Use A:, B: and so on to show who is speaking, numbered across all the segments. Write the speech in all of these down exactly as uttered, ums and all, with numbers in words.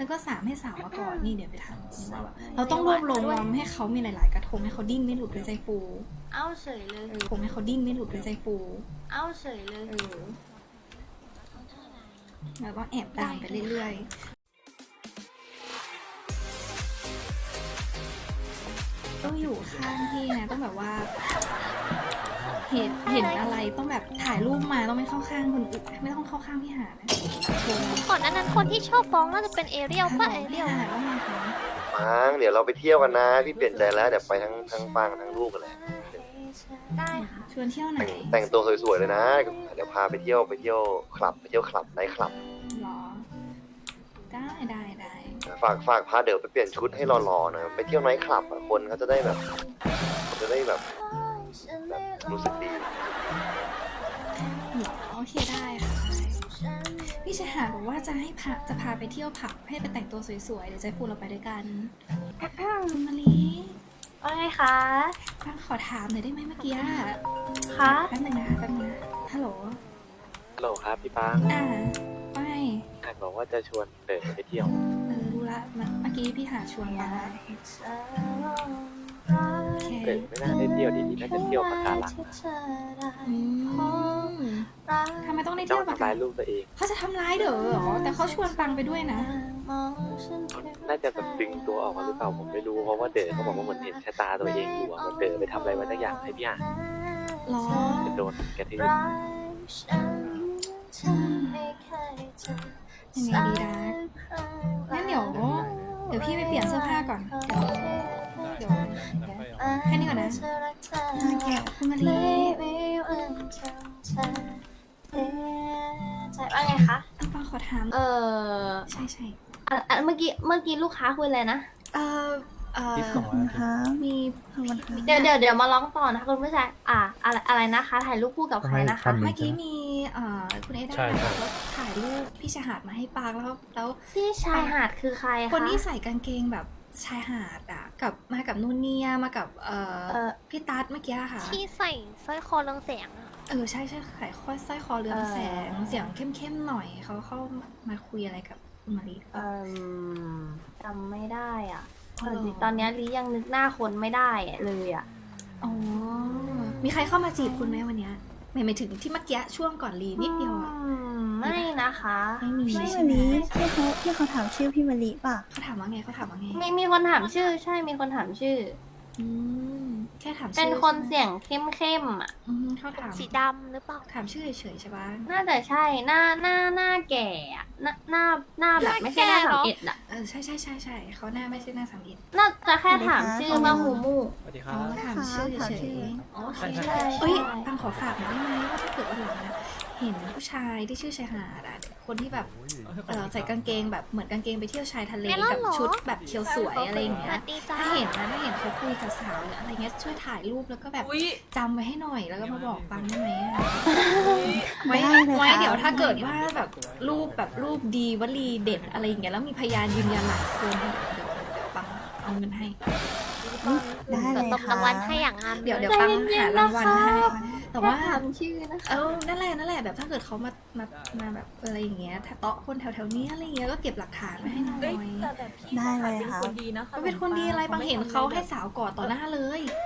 A: ก็สามให้สาวมาก่อนนี่เดี๋ยวไปทำเราเราต้องรวบรวมให้เขามีหลายๆกระทงให้เขาดิ้นไม่หลุดด้วยใจฟู
B: เอาเฉยเลย
A: ทงให้เขาดิ้นไม่หลุดด้วยใจฟู
B: เอาเฉยเลย
A: เออแล้วก็แอบตามไปเรื่อยๆต้องอยู่ข้างพี่นะต้องแบบว่า เห็นเห็นอะไรต้องแบบถ่ายรูปมาต้องไม่เข้าข้างคนอื่นไม่ต้องเข้าข้างพี่หานะ
C: ก่อนหน้านั้นคนที่ชอบฟ้องน่าจะเป็นเอเรียลป่ะเอเรียล
A: พี่หาว่าไงคะ
D: ปังเดี๋ยวเราไปเที่ยวกันนะพี่เปลี่ยนใจแล้วเดี๋ยวไปทั้งทั้งปังทั้งลูกกันแหละ
B: ได้ค่ะ
A: ชวนเที่ยวไหน
D: แต่งแต่งตัวสวยๆเลยนะเดี๋ยวพาไปเที่ยวไปเที่ยวคลับไปเที่ยวคลับไนท์คลับ
A: หรอได้ได้ได้
D: ฝากฝากพาเดี๋ยวไปเปลี่ยนชุดให้หล่อๆหน่อยไปเที่ยวไนท์คลับอะคนเขาจะได้แบบจะได้แบบแบบรู้สึกดี
A: หรอโอเคได้ค่ะได้พี่ชายหาบอกว่าจะให้พาจะพาไปเที่ยวผับให้ไปแต่งตัวสวยๆเดี๋ยวจะพูดเราไปด้วยกันคุณมาลี
B: ว่าไงคะ
A: ฟังขอถามหน่อยได้ไหมเมื่อกี้อะ
B: คะ
A: แป๊บนึงนะคะแป๊บนึงนะฮัลโหล
E: ฮัลโหลครับพี่ปัง
A: อ่าไม่
E: อาจบอกว่าจะชวนเดินไปเที่ยว
A: เออรู้ละเมื่อกี้พี่หาชวนมาโอเค
E: เดินไม่น่าได้เที่ยวดีๆน่าจะเที่ยวปะการัง
A: อืมทำไมต้องได้
E: ต้
A: เที่
E: อ
A: ยว
E: ง
A: กับ
E: ทำร้ายลูกตัวเอง
A: เขาจะทำร้ายเด้อเหรอแต่เขาชวนปังไปด้วยนะ
E: น่าจะแบบดึงตัวออกมาหรือเปล่าผมไม่รู้เพราะว่าเดินเขาบอกว่าเหมือนเห็นชะตาตัวเองอยู่อะเหมันเดินไปทำอะไรไว้สักอย่างให้พี่อ่าน
A: หรอ
E: จะโดนกระทืบ
A: ยังไงดีนะงั้นเดี๋ยวเดี๋ยวพี่ไปเปลี่ยนเสื้อผ้าก่อนเดี๋ยวเดี๋ยวแค่นี้ก่อนนะแกคุณมาลี
B: ใช่ว่าไงคะ
A: อันปังขอถาม
B: เออ
A: ใช่ใช่
B: อ่ะอ่ะเมื่อกี้ เมื่อกี้ลูกค้าคุยอะไรนะ
A: เออเออ
F: นะคะ
A: มีคน
B: เดี๋ยวเดี๋ยวเดี๋ยวมาร้องต่อนะคะคุณผู้ชายอ่ะอะไรอะไรนะคะ ถ่ายรูปคู่กับใครนะคะ
A: เมื่อกี้มีเอ่อคุณเอด้าแล้วถ่ายรูปพี่ชายหาดมาให้ปังแล้วแล้ว
B: พี่ชายหาดคือใครคะ
A: คนที่ใส่กางเกงแบบชายหาดอ่ะกับมากับนูนเนียมากับเอ่อ
B: เออ
A: พี่ตั๊ดเมื่อกี้ค่ะ
C: ที่ใส่สร้อยคอเรืองแสงอะ
A: เออใช่ใช่ขายข้อสร้อยคอเรืองแสงเสียงเข้มๆหน่อยเขาเข้ามาคุยอะไรกับคุณมารี
B: เออจำไม่ได้อ่ะ
A: อ๋อเหรอ
B: ตอนนี้ลิยังนึกหน้าคนไม่ได้เลยอ่ะ
A: อ๋อมีใครเข้ามาจีบคุณไหมวันเนี้ยหมายหมายถึงที่เมื่อกี้ช่วงก่อนรีนิดเดียวอะ
B: อืมไม่นะคะ
A: ไม่มี
F: พี่
A: ใช่
F: มะ
A: ไหม
F: ลิที่เขาที่เขาถามชื่อพี่มะลิป่ะ
A: เขาถามว่าไงเขาถามว่าไง
B: มีมีคนถามชื่อ ใช่มีคนถามชื่อ
A: อืมแค่ถามชื่อ
B: เป็นคนเสียงเข้มเข้มๆอ่ะ
A: อืมเขาถาม
C: สีดำหรือเปล่า
A: ถามชื่อเฉยๆใช่ปะ
B: น่าจะใช่หน้าหน้าหน้าแก่อะหน้าหน้าหน้าแบบไม่ใช่หน้าสามเอ็ดอ่ะ
A: เออใช่ใช่ใช่ใช่เขาหน้าไม่ใช่หน้าสามอิด
B: น่าจะแค่ถามชื่อว่ามูมู
E: สวัสดีค
A: อ๋
E: รั
A: อบ ถามชื่อ
F: ถาม
A: เฉ
F: ชื่
A: ย
F: อ
A: ๆโอเค
E: ใช่ใช่
A: เอ้ยปังขอฝากหน่อยได้ไหมว่าถ้าเกิดวันหลังนะเห็นผู้ชายที่ชื่อชายหาดอะคนที่แบบเออใส่กางเกงแบบเหมือนกางเกงไปเที่ยวชายทะเล
C: ไม่เล่า
A: กับ
C: เหรอ
A: ชุดแบบเคียวสวยอะไรอย่าง
C: ส
A: เงี้
C: วั
A: ย
C: สดีจ้า
A: ถ้าเห็นนะถ้าเห็นเขาคุยกับสาวหรืออะไรเงี้ยช่วยถ่ายรูปแล้วก็แบบจำไว้ให้หน่อยแล้วก็มาบอกปังได้ไหมอะไว้
F: ได้เลย
A: ไว้
F: ค่ะ
A: เดี๋ยวถ้าเกิดว่าแบบรูปแบบรูปดีวลีเด็ดอะไรอย่างเงี้ยแล้วมีพยานยืนยันหลายคนเดี๋ยวเดี๋ยวเดี๋ยวปังเอาเงินให้
F: ได้เลย
C: ตบ
F: ค่ะ
C: รางวัลให้อย่างนั้น
A: เดี๋ยวเดี๋ยวปังหารางวัลให้แต่ว่า
B: แค่ถามชื่อนะคะ
A: เออนั่นแหละนั่นแหละแบบถ้าเกิดเขามามามาแบบอะไรอย่างเงี้ยถ้าเตาะคนแถวๆนี้อะไรเงี้ยก็เก็บหลักฐานไว้ให้หน่อย
F: ได้เลยค่ะ
A: ก็เป็นคนดีอะไรบางเห็นเขาให้สาวกอดต่อหน้าเลย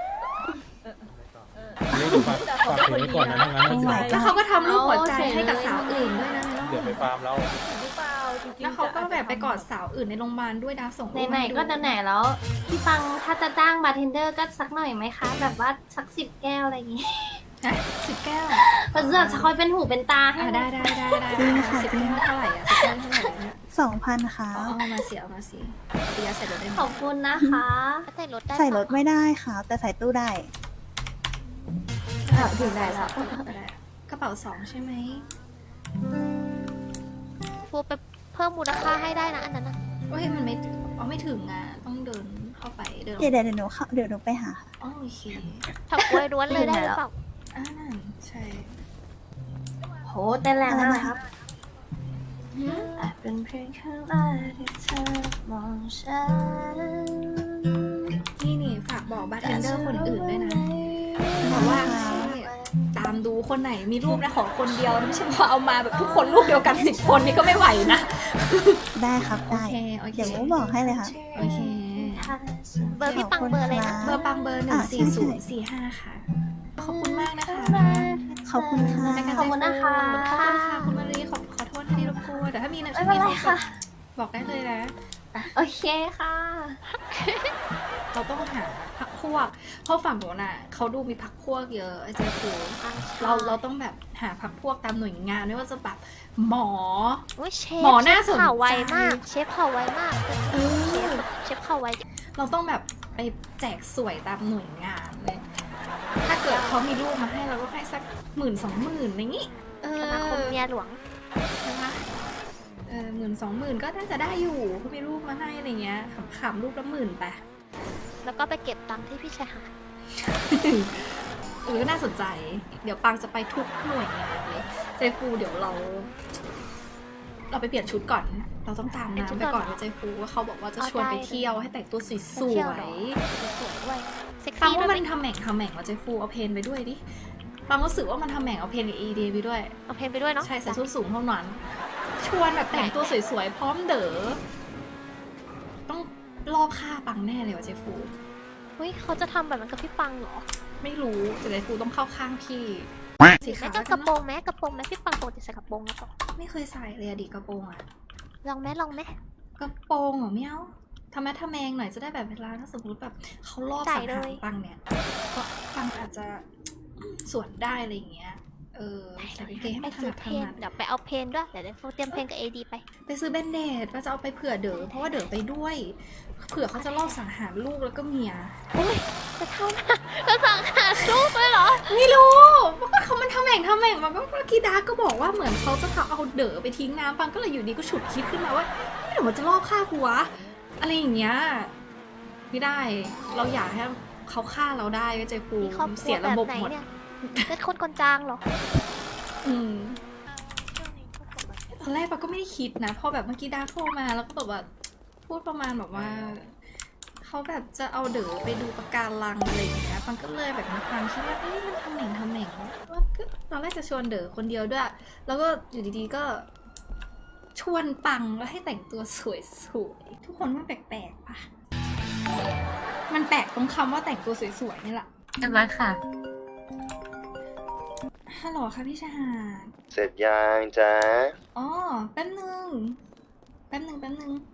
G: ฝากฝากถึงไว้ก่อนนะไม่งั้นมันจะ
A: แล้วเขาก็ทำรูปหัวใจให้กับสาวอื่นด้วยนะ
G: เดี๋ยวไปฟาร์มแล้ว
A: แล้วเขาก็แบบไปกอดสาวอื่นในโรงพยาบาลด้วยนะส่งรูป
B: ไหน
A: มา
B: ๆก็ไหนๆแล้ว พี่ฟังถ้าจะจ้างบาร์เทนเดอร์ก็สักหน่อยไหมคะ แบบว่าสักสิบแก้วอะไรอย่างงี้
A: ฮะสิบแก้ว
B: เพราะจะคอยเป็นหูเป็นตาให้
A: อ่ะได้ได้ได้ได้
F: จริงค่ะ
A: สิบแก้วเท่าไหร่อ่ะสิบแก้วเท่าไหร่เนี่ย
F: สองพันค่ะ
A: เอาเอามาสิเอามาสิเดียวใส่รถได้ไหม
B: ขอบคุณนะคะ
C: ใส่รถได้
F: ใส่รถไม่ได้ค่ะ แต่ใส่ตู้ได้
B: อ่ะถึงไหนแล้ว
A: ก็ได้กระเป๋าสองใช่ไหม
C: ฟูไปเพิ่มมูลค่าให้ได้นะอันนั้นนะ
A: เฮ้ยมันไม่เอาไม่ถึงอ่ะต้องเดินเข้าไปเดิน
F: เดี๋ยวเดี๋ยวเดี๋ยวหนูเข้าเดี๋ยวหนูไปหาค่ะ
A: อ๋อโอเค
C: ถักกล้วยล้วนเลยได้หรือเปล่า
A: อ่านั่นใช่
B: โหเต้นแรง
F: อะไร
B: มาก
F: นะ
B: ค
F: ค
B: รั
F: รั
B: บบ อาจเป็นเพียงครั้งแรกที่เธอมองฉัน
A: นี่นี่ฝากบอกบาร์เทนเดอร์คนอื่นด้วยนะบอกว่าตามดูคนไหนมีรูปนะขอคนเดียวนะไม่ใช่ว่าเอามาแบบทุกคนรูปเดียวกันสิบคนนี่ก็ไม่ไหวนะ
F: ได้ครับ
A: โอ
F: ได้
A: เคโอเค
F: เดี๋ยวโมบอกให้เลยค่ะ
A: โอเค
B: ค่ะ
C: เบอร์พี่ปังเบอร์อะไรนะ
A: เบอร์ปังเบอร์หนึ่
F: อ่ะ
A: ง
F: ใช่
A: สี่
F: ใช่
A: ศูนย์สี่ห้าค่ะ ขอบคุณมากนะคะ
F: ขอบคุณค่ะ
A: รายการ
B: ขอบคุณนะคะ
A: ขอบคุณค่ะคุณมารีขอขอโทษที่รบกวนแต่ถ้ามีนะ
B: ไม่เป็นไรค่ะ
A: บอกได้เลยนะ
B: โอเคค่ะ
A: เราต้องหาพักพวก เพราะฝั่งโน้นอ่ะเขาดูมีพักพวกเยอะไอ้เจ๊ฟูเราเราต้องแบบหาพักพวกตามหน่วยงานไม่ว่าจะแบบหมอ
C: อุ๊ยเชฟ
A: หมอน่าสนใจ
C: เข่าไวมาก เชฟเข่าไวมาก
A: เออ
C: เชฟเข่าไว
A: เราต้องแบบไปแจกสวยตามหน่วยงานเลย ถ้าเกิดเขามีรูปมาให้เราก็ให้สักหมื่นสองหมื่นอะไรงี้ เอ
C: สมาคม
A: อ
C: เมียหลวง
A: ใช่ปะเออหมื่นสองหมื่นก็น่าจะได้อยู่เขามีรูปมาให้อะไรเงี้ยขำๆรูปละหมื่นไป
C: แล้วก็ไปเก็บตังค์ที่พี่ชายหาด
A: เออน่าสนใจ เดี๋ยวปังจะไปทุกหน่วยงานเลยเจฟูเดี๋ยวเรา เราไปเปลี่ยนชุดก่อน เราต้องตามน้ำไปก่อนนะเจฟูว่าเขาบอกว่าจะชวนไปเที่ยวให้แต่งตัวส
C: ไปเที่ยว
A: ว
C: เหรอ
A: ย
C: สวยด้วย เซ็ก
A: ๆปัง
C: ซี่ด้ว
A: ว่าย
C: ไห
A: มั
C: ม
A: นทำแหม่งทำแหม่งว่าเจฟูเอาเพนไปด้วยดิปังรู้สึกว่ามันทำแหม่งเอาเพนกับเอเดไปด้วย
C: เอาเพลงไปด้วยเนาะ
A: ใช่ใส่ส้นสูงเท่านั้น ชวนแบบแต่งตัวสวยๆ พร้อมเด๋อ ต้องรอบฆ่าปังแน่เลยว่ะเจฟู
C: เฮ้ยเขาจะทำแบบนั้นกับพี่ปังเหรอ
A: ไม่รู้แต่เจฟูต้องเข้าข้างพี่สี
C: แม้
A: ขาว
C: ก็กระโปรงแม้กระโปรงแม้พี่ปังปกติใส่กระโปรงแล้วก็
A: ไม่เคยใส่เลยอะดิกระโปรงอะ
C: ลองแม้ลองแม้
A: กระโปรงเหรอไม่เอาทำไมทำแมงหน่อยจะได้แบบเวลาถ้าสมมติแบบเขารอบสังหารปังเนี่ยก็ปังอาจจะสวนได้อะไรอย่างเงี้ย เออใส่กางเกงให้
C: ไป
A: มันถ
C: ซื้อ
A: นัด
C: เพ
A: ถ
C: ลง
A: นัด
C: เดี๋ยวไปเอาเพลงด้วย เดี๋ยวเดี๋ยวเตรียมเพลงกับเอดีไป
A: ไปซื้อแบนเดดว่าจะเอาไปเผื่อเด๋อเพราะว่าเด๋อไปด้วย เผื่อเขาจะลอบสังหารลูกแล้วก็เมีย
C: โอ้ยจะเท่าหน้าจะสั่งหารูปเลยเหรอ
A: ไม่รู้ว่าเขามันทำแหม่งทำแหม่งมาเมื่อกี้ดาก็บอกว่าเหมือนเขาจะเอาเด๋อไปทิ้งน้ำปังก็เลยอยู่ดีก็ฉุดคิดขึ้นมาว่าไม่เดี๋ยวมันจะลอบฆ่ากูวะอะไรอย่างเงี้ยไม่ได้ เราอยากให้เขาฆ่าเราได้ก็ใจฟู
C: มีครอบครั
A: เสี
C: วย แบ
A: ระ
C: บ
A: บบ
C: ไหน
A: หมด
C: เนี่ยเป็นคนคนจางเหรอ
A: อืมตอนแรกปังก็ไม่ได้คิดนะพอแบบเมื่อกี้ดาโทรมาแล้วก็แบบว่าพูดประมาณแบบว่าเขาแบบจะเอาเด๋อไปดูปะการังอะไรอย่างเงี้ยปังก็เลยแบบมีความคิดว่าเอ้ยมันทำแหม่งทำแหม่งว่าก็ตอนแรกจะชวนเด๋อคนเดียวด้วย แล้วก็อยู่ดีๆก็ ชวนปังแล้วให้แต่งตัวสวยๆทุกคนมันแปลกๆปะมันแปลกตรงคำว่าแต่งตัวสวยๆนี่แหละ
H: เรียบร้อยค่ะ
A: ฮัลโหลค่ะพี่ชายหาด
D: เสร็จยังจ๊ะ
A: อ๋อแป๊บนึงแป๊บนึงแป๊บนึง